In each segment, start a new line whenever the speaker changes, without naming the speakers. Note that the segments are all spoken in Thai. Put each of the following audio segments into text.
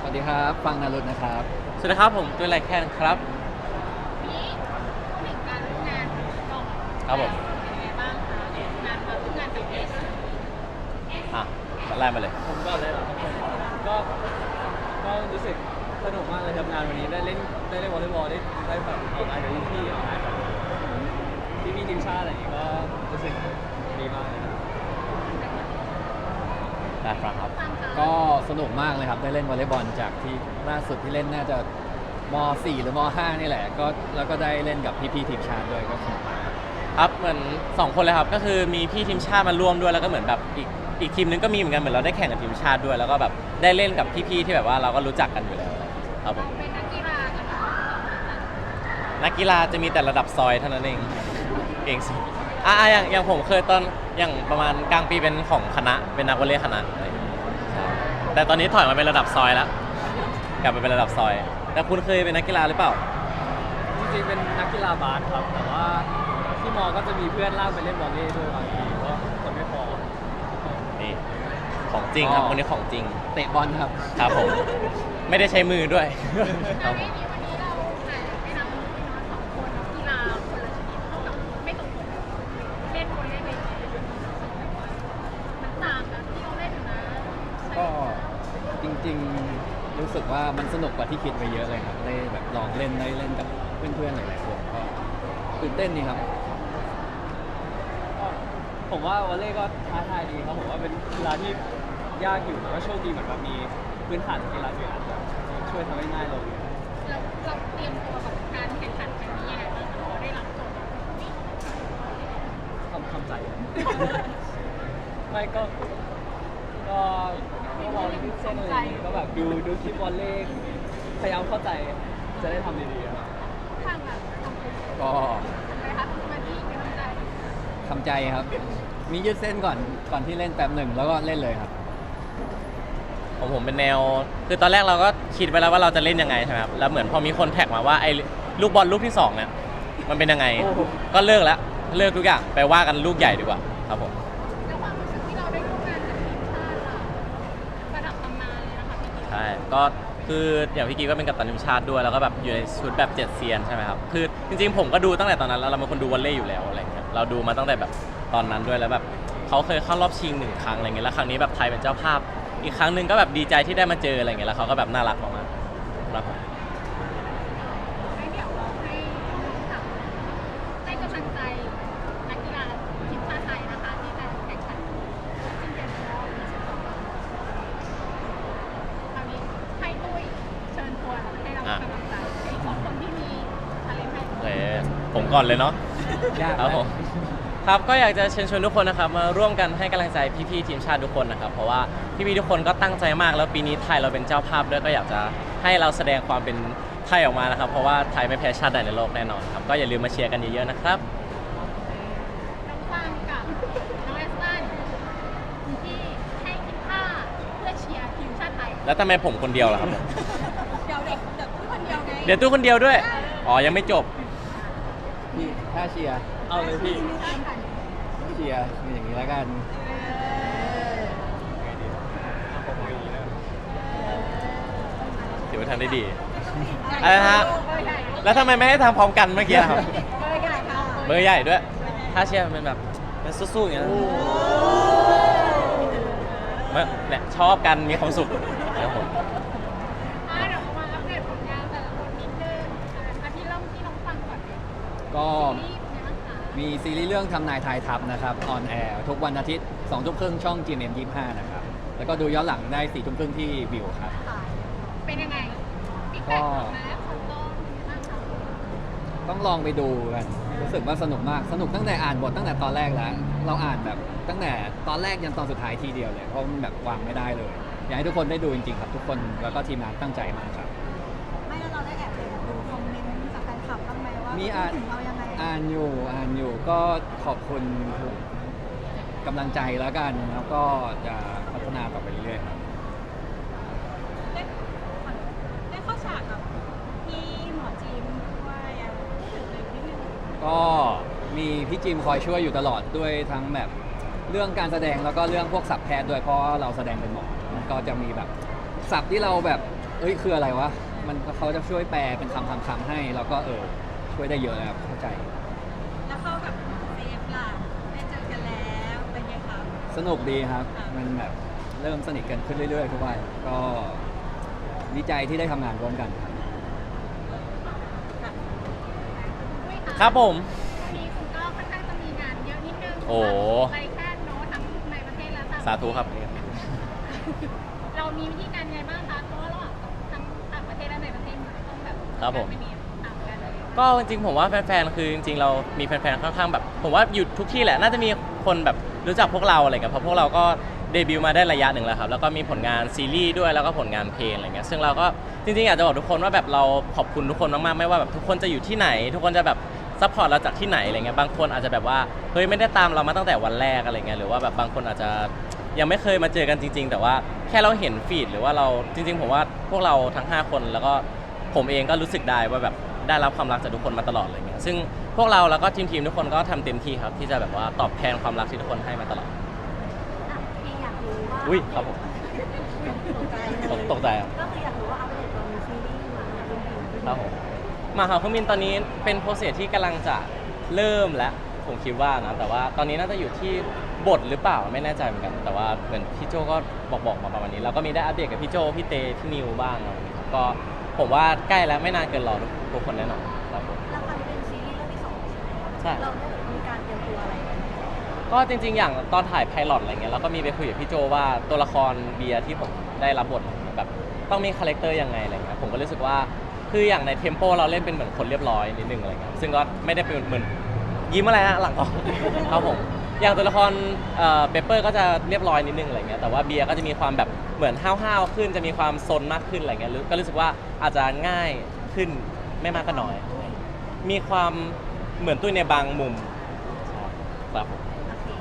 วัสดีครับฟังนารุตนะครับ
สวัสดีครับผมตัวไรแคนครับ
นี้ถึงการร่วมงานก่อน
ครับผม
เป็นยังไงบ้างคะงานมาร่วมงานกับเอส
อ่ะไล่มาเลย
ผมก่อนเลยเหรอครับผมก็ก็รู้สึกสนุกมากเลยทำงานวันนี้ได้เล่นวอลเลย์บอลได้แบบออกงานกับพี่ๆออกงานกับพี่ทีมชาติอะไรอย่างงี้ก็รู้สึกดีมากเลยครับ
ได้ฟังครับ
ก็สนุกมากเลยครับได้เล่นวอลเลย์บอลจากที่ล่าสุดที่เล่นน่าจะม .4 หรือม .5 นี่แหละก็แล้วก็ได้เล่นกับพี่ๆทีมชาติด้วยก็สนุกมาก
ครับเหมือน2คนเลยครับก็คือมีพี่ทีมชาติมาร่วมด้วยแล้วก็เหมือนแบบอีกทีมนึงก็มีเหมือนกันเหมือนเราได้แข่งกับทีมชาติด้วยแล้วก็แบบได้เล่นกับพี่ๆที่แบบว่าเราก็รู้จักกันอยู่แล้วครับผม
เป็นนักกีฬากันเหรอ
นักกีฬาจะมีแต่ระดับซอยเท่านั้นเองเก่งสุดอย่างผมเคยตอนอย่างประมาณกลางปีเป็นของคณะเป็นนักวอลเลย์คณะอะไรอย่างเงี้ยใช่แต่ตอนนี้ถอยมาเป็นระดับซอยแล้วกลับไปเป็นระดับซอยแต่คุณเคยเป็นนักกีฬาหรือเปล่า
จริงๆเป็นนักกีฬาบาสครับแต่ว่าที่มอก็จะมีเพื่อนลากไปเล่นวอลเลย์ด้วยบางทีเพราะคนไม่พอ
นี่ของจริงครับคนนี้ของจริง
เตะบอลครับ
ครับผมไม่ได้ใช้มือด้วย
วันนี้เราไปนำสองคนนักกีฬาคนละชนิดเท่ากับไม่ตรงปกเล่นคนเล่นไปมันต่างกันที่เราเล่นนะ
ก็จริงๆรู้สึกว่ามันสนุกกว่าที่คิดไปเยอะเลยครับได้แบบลองเล่นได้เล่นกับเพื่อนๆหลายๆคนก็ตื่นเต้นนี่ครับ
ผมว่าวอลเลย์ก็ท้าทายดีครับผมว่าเป็นกีฬาที่ยากอยู่แต่ว่าโชคดีเหมือนแบบมีพื้นฐานกีฬาอื่นอาจจะช่วยทำให้ง่ายลง
เราเตรียมตัวกับการแข่งขันครั้งนี้ยังไงบ้างคะเราได้รับโจทย์
ทำใจไม่ก็มองที่เส้นอะไรอย่างงี้ก็แบบดูคลิปวอลเลย์พยายามเข้าใจจะได้ทำดีๆครับ
ทางแบบ
ก็
อะไรคะมาที่กำลังใจ
ทำใจครับมียืดเส้นก่อนที่เล่นแป๊บหนึ่งแล้วก็เล่นเลยครับ
ผมเป็นแนวคือตอนแรกเราก็คิดไปแล้วว่าเราจะเล่นยังไงใช่ไหมครับแล้วเหมือนพอมีคนแท็กมาว่าไอ้ลูกบอลลูกที่2เนี่ยมันเป็นยังไงก็เลิกทุกอย่างไปว่ากันลูกใหญ่ดีกว่าครับผม
แล้วความรู้สึกที่เราได้ร่วมงานกับทีมชาติล่ะระดับตำนานเลยนะคะพี่กิ๊ก
ใช่ก็คืออย่างพี่กีก็เป็นกัปตันทีมชาติด้วยแล้วก็แบบอยู่ในชุดแบบ7 เซียนใช่ไหมครับคือจริงๆผมก็ดูตั้งแต่ตอนนั้นแล้วเราเป็นคนดูวอลเลย์อยู่แล้วอะไรเงี้ยเราดูมาตั้งแต่แบบตอนนั้นด้วยแล้วแบบเขาเคยเข้ารอบชิง1 ครั้งอะไรเงี้ยแล้วครั้งนี้แบบไทยเป็นเจ้าภาพอีกครั้งหนึ่งก็แบบดีใจที่ได้มาเจออะไรเงี้ยแล้วเขาก็แบบน่ารักมากๆครับผม
ให้เดี๋ยวเราให้กำลังใจนักกีฬาทีมชาติไทยนะคะที่จะแข่งขันชิงแชมป์โลกคราวนี้ให้ตุ้ยเชิญชวนให้เรากำลังใจให้ของคนที่มีทาเลนต์ให้
ผมก่อนเลยเนาะ
ยาก
ครับผมครับก็อยากจะเชิญชวนทุกคนนะครับมาร่วมกันให้กำลังใจพี่ๆทีมชาติทุกคนนะครับเพราะว่าพี่ๆทุกคนก็ตั้งใจมากแล้วปีนี้ไทยเราเป็นเจ้าภาพด้วยก็อยากจะให้เราแสดงความเป็นไทยออกมานะครับเพราะว่าไทยไม่แพ้ชาติใดในโลกแน่นอนครับก็อย่าลืมมาเชียร์กันเยอะๆนะครับ
น้องฟังกับน้องเอสตันที่ให้คิดค่าเพื่อเชียร์ทีมชาติไทย
แล้วทำไมผมคนเดียวล่ะครับ
เดี๋ยวตู้คนเดียวไง
เดี๋ยวตู้คนเดียวด้วยอ๋อยังไม่จบ
พี่ถ้าเชียร์
เอาเลยพี่
เชียร์มีอย่างนี้แล้วกัน
ถือว่าทำได้ดีอะไรนะฮะแล้วทำไมไม่ให้ทำพร้อมกันเมื่อกี้ครับเบอร์ใหญ่ด้วยถ้าเชียร์มันแบบมันสู้ๆอย่างเงี้ยเนี่ยชอบกันมีความสุขนะครับผม
เดี๋ยวมาอัปเดตผลงานแต่ละคนนิดนึงที่เริ่มที่น้องฟังก่อน
ก็มีซีรีส์เรื่องทำนายทายทัพนะครับออนแอร์ทุกวันอาทิตย์ 20:30 ช่อง GMM 25นะครับแล้วก็ดูย้อนหลังได้ 4:30 ที่วิวครับ
เป็นยังไงก็
ต้องลองไปดูกันรู้สึกว่าสนุกมากสนุกตั้งแต่อ่านบทตั้งแต่ตอนแรกแล้วเราอ่านแบบตั้งแต่ตอนแรกยันตอนสุดท้ายทีเดียวเลยเพราะมันแบบวางไม่ได้เลยอยากให้ทุกคนได้ดูจริงๆครับทุกคนแล้วก็ทีมงานตั้งใจมากครับ
ไม่แล้วเราได้แอบไปดูคอมเมนต์จากแฟนคลับบ้างไหมว่า
มี
ถึงเรายังไง
อ่านอยู่ก็ขอบคุณทุกกำลังใจแล้วกันแล้วก็จะพัฒนาต่อไปเรื่อยๆครับ
ได้เข้าฉากกับพี่หมอจีมด้วยถึงเลยนิดนึง
ก็มีพี่จิมคอยช่วยอยู่ตลอดด้วยทั้งแบบเรื่องการแสดงแล้วก็เรื่องพวกศัพท์แพทย์ด้วยเพราะเราแสดงเป็นหมอมันก็จะมีแบบศัพท์ที่เราแบบเอ้ยคืออะไรวะมันเขาจะช่วยแปลเป็นคำให้แล้วก็ช่วยได้เยอะเลยครับเข้าใจ
แล้วเข้ากับเซฟล่ะได้เจอกันแล้วเป็นไงคะ
สนุกดีครับ มันแบบเริ่มสนิทกันขึ้นเรื่อยๆทุกวันก็ดีใจที่ได้ทำงานร่วมกันครับ
ครับผม
วันนี้คุณก็ค่อนข้างจะมีงานเยอะนิดนึง
โอ้
ไปแค่โน้ตทั้งในประเทศและต่างประเทศ
สาธุครับ
เรามีวิธีการไงบ้างคะเพราะว่าระหว่างทั้งต่างประเทศและในประเทศมันต้องแบบ
ครับผม
ไม่มีต่างกันเลย
ก็จริงๆผมว่าแฟนๆ คือจริงๆ เรามีแฟนๆ ค่อนข้างแบบ ผมว่าอยู่ทุกที่แหละ น่าจะมีคนแบบรู้จักพวกเราอะไรเงี้ยเพราะพวกเราก็เดบิวต์มาได้ระยะหนึ่งแล้วครับ แล้วก็มีผลงานซีรีส์ด้วย แล้วก็ผลงานเพลงอะไรเงี้ย ซึ่งเราก็จริงๆ อยากจะบอกทุกคนว่าแบบเราขอบคุณทุกคนมากๆ ไม่ว่าแบบทุกคนจะอยู่ที่ไหน ทุกคนจะแบบซัพพอร์ตเราจากที่ไหนอะไรเงี้ย บางคนอาจจะแบบว่า เฮ้ยไม่ได้ตามเรามาตั้งแต่วันแรกอะไรเงี้ย หรือว่าแบบบางคนอาจจะยังไม่เคยมาเจอกันจริงๆ แต่ว่าแค่เราเห็นฟีดหรือว่าเราจริงๆ ผมว่าพวกเราทั้ง5คนแล้วก็ผมเองก็รู้สึกได้ว่าแบบได้รับความรักจากทุกคนมาตลอดอะไรเงี้ยซึ่งพวกเราแล้วก็ทีมทุกคนก็ทำเต็มที่ครับที่จะแบบว่าตอบแทนความรักที่ทุกคนให้มาตลอด
พี่อยากรู้ว่า
อุ้ยครับผม
ตกใจ
ตกใจครับ
ก็คืออยากรู้ว่าอัปเดตตอนมีซีรีส์มาเป็นยังไง
ครับผมมาหาเครื่องบินตอนนี้เป็นโปรเซสที่กำลังจะเริ่มแล้วผมคิดว่านะแต่ว่าตอนนี้น่าจะอยู่ที่บทหรือเปล่าไม่แน่ใจเหมือนกัน แต่ว่าเหมือนพี่โจก็บอกมาประมาณนี้แล้วก็มีได้อัปเดตกับพี่โจพี่เตพี่นิวบ้างอะไรอย่างเงี้ยครับก็ผมว่าใกล้แล้วไม่นานเกินรอทุกคนแน่นอนครับผม
แล้วคราวนี้เป็นซีรีส์เรื่องที่2ใช่ไหมคะ
ใช่
เราได้มีการเตรียมตัวอะไรกันไหม
ก็จริงๆ อย่างตอนถ่ายไพลอตอะไรเงี้ยเราก็มีไปคุยกับพี่โจว่าตัวละครเบียร์ที่ผมได้รับบทแบบต้องมีคาแรคเตอร์ยังไงอะไรเงี้ยผมก็รู้สึกว่าคืออย่างในเทมโปเราเล่นเป็นเหมือนคนเรียบร้อยนิดนึงอะไรเงี้ยซึ่งก็ไม่ได้เป็นเหมือนยิ้มอะไรฮะหลังกล้อง ครับผมอย่างตัวละครเปเปอร์ก็จะเรียบร้อยนิดนึงอะไรเงี้ยแต่ว่าเบียร์ก็จะมีความแบบเหมือนห้าวๆขึ้นจะมีความซนมากขึ้นอะไรเงี้ยก็รู้สึกว่าอาจจะง่ายขึ้นไม่มากก็น้อย มีความเหมือนตุ้ยในบางมุมครับผม
โอเค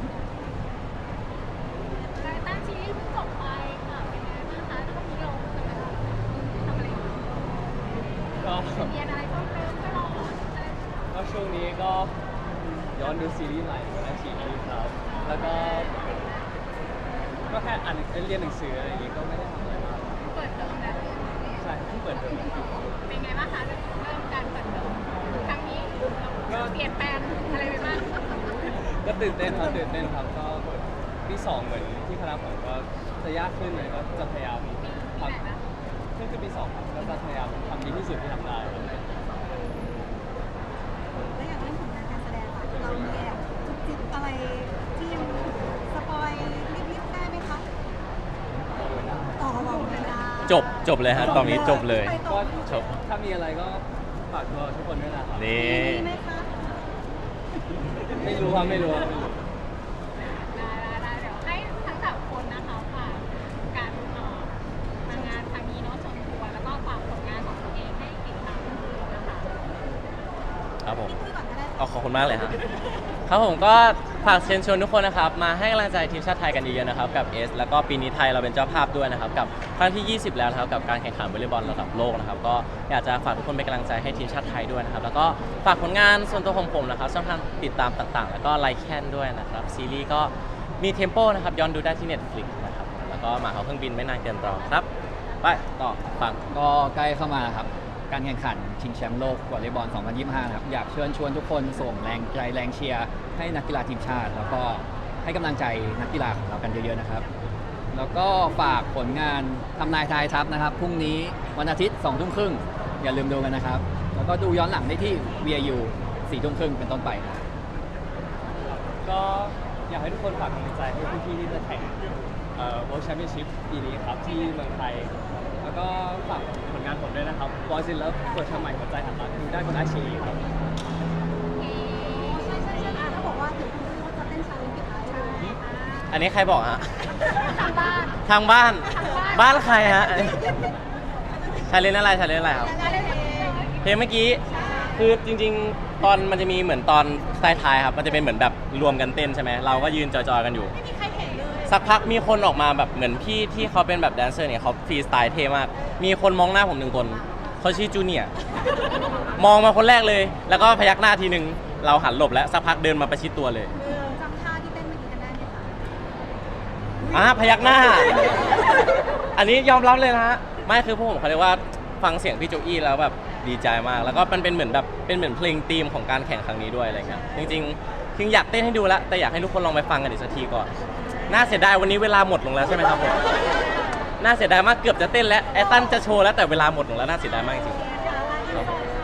แล้วตั้งซีรีส์เพิ่งจบไปค่ะเป็นไงบ้างคะแล้วก็มีเราทำอะไรอยู่
ก็
เรียนอะไรเพิ่มเติมไม่รออะไร
ก็ช่วงนี้ก็ย้อนดูซีรีส์ใหม่ของอาชีพครับ แล้วก็แค่อ่านเรียนหนังสืออะไรอย่างงี้ก็ไม่ได้ทำอะไรมาก
เปิดเทอมแล้ว
ใช่เพิ่งเปิดเทอม
เป็นไงบ้างคะเริ่มการเปิดเทอมครั้งนี้เราเปลี่ยนแปลงอะไรไปบ้าง
ก็ตื่นเต้นครับตื่นเต้นครับก็ปีสองเหมือนที่คณะผมก็จะยากขึ้นเลยก็จะพยายาม
ที่
ท
ไหนนะ
ำขึ้นปีสองครับก็จะพยายามทำดีที่สุดที่ทำได้ครับ
แล้วอย่างเรื่องผลงานการแสดงค่ะเรามีแอบจุกจิกอะไรที่ยังสปอยนิดๆได้ไหมคะต่อบอกไม่ได้
จบเลยฮะตอนนี้จบเลย
ไปต่
ก็
อไม่ถูก
จบ
ถ้ามีอะไรก็ฝากตัวทุกคนด้วยนะครับ
นี่
มีไหมคะ
ไม่รู้ครับไม่รู้ครับไม่รู้
ได้เดี๋ยวให้ทั้งสามคนนะคะฝากการมางานครั้งนี้เนาะชมทัวร์แล้วก็ฝากผลงานของตัวเองให้ติดตามนะคะ
ครับผม
พี่ปุ้ยก่อนก็ได้
ขอบคุณมากเลยครับครับผมก็ฝากเชิญชวนทุกคนนะครับมาให้กำลังใจทีมชาติไทยกันเยอะๆนะครับกับเอสแล้วก็ปีนี้ไทยเราเป็นเจ้าภาพด้วยนะครับกับครั้งที่ 20 แล้วนะครับกับการแข่งขันวอลเลย์บอลระดับโลกนะครับก็อยากจะฝากทุกคนเป็นกำลังใจให้ทีมชาติไทยด้วยนะครับแล้วก็ฝากผลงานส่วนตัวของผมนะครับช่องทางติดตามต่างๆ แล้วก็ไลค์แคนด้วยนะครับซีรีส์ก็มีเทมโปนะครับย้อนดูได้ที่ Netflix นะครับแล้วก็มาเขาเครื่องบินไม่นานเกินรอครับไปต่อฟัง
ก็ใกล้เข้ามาครับ การแข่งขันชิงแชมป์โลกวอลเลย์บอล 2025 นะครับ อยากเชิญชวนทุกคนส่งแรงใจแรงเชียร์ให้นักกีฬาทีมชาติ แล้วก็ให้กำลังใจนักกีฬาของเรากันเยอะๆนะครับ แล้วก็ฝากผลงานทำนายทายทัพนะครับ พรุ่งนี้วันอาทิตย์ 2 ทุ่มครึ่ง อย่าลืมดูกันนะครับ แล้วก็ดูย้อนหลังได้ที่ VIU 4 ทุ่มครึ่งเป็นต้นไปนะครับ
ก็อยากให้ทุกคนฝากกำลังใจให้พี่ๆที่จะแข่งWorld Championship ปีนี้ครับที่เมืองไทย แล้วก็ฝากผลงานผมด้วยนะครับ Boys in Love เปิดทำใหม่หัวใจหันหลังดูได้บนอาชีครับ
ใช่ใช่ใช่เขาบอกว่าถึงพูดว่าจะเต้นชาเลนจ์กับไอซ์
อันนี้ใครบอกฮะ
ทางบ้าน
ทางบ้าน
ทางบ้าน
บ้านใครฮะชาเลนอะไรชาเลนอะไรครับ
ได้เลย
เพลงเมื่อกี้คือจริงๆ ตอนมันจะมีเหมือนตอนท้ายๆครับมันจะเป็นเหมือนแบบรวมกันเต้นใช่ไหมเราก็ยืนจอยๆกันอยู่
ไม่มีใครเห็นเลย
สักพักมีคนออกมาแบบเหมือนพี่ที่เขาเป็นแบบแดนเซอร์เนี่ยเขาฟรีสไตล์เท่มาก มีคนมองหน้าผมหนึ่งคนเขาชื่อจูเนียร์มองมาคนแรกเลย แล้วก็พยักหน้าทีนึงเราหันหลบแล้วสักพักเดินมาประชิดตัวเลย
จำท่าที่เต้นเมื่อกี้กันได้ไหมคะ
พยักหน้า อันนี้ยอมรับเลยนะฮะไม่คือพวกผมเขาเรียกว่าฟังเสียงพี่โจอี้แล้วแบบดีใจมากแล้วก็มันเป็นเหมือนแบบเป็นเหมือนเพลงธีมของการแข่งครั้งนี้ด้วยอะไรเงี้ยจริงอยากเต้นให้ดูแล้วแต่อยากให้ทุกคนลองไปฟังกันอีกสักทีก่อนน่าเสียดายวันนี้เวลาหมดลงแล้วใช่ไหมครับผมน่าเสียดายมากเกือบจะเต้นแล้วไอ้ตั้นจะโชว์แล้วแต่เวลาหมดลงแล้วน่าเสียดายมากจริงๆ
เดี๋ยวเรา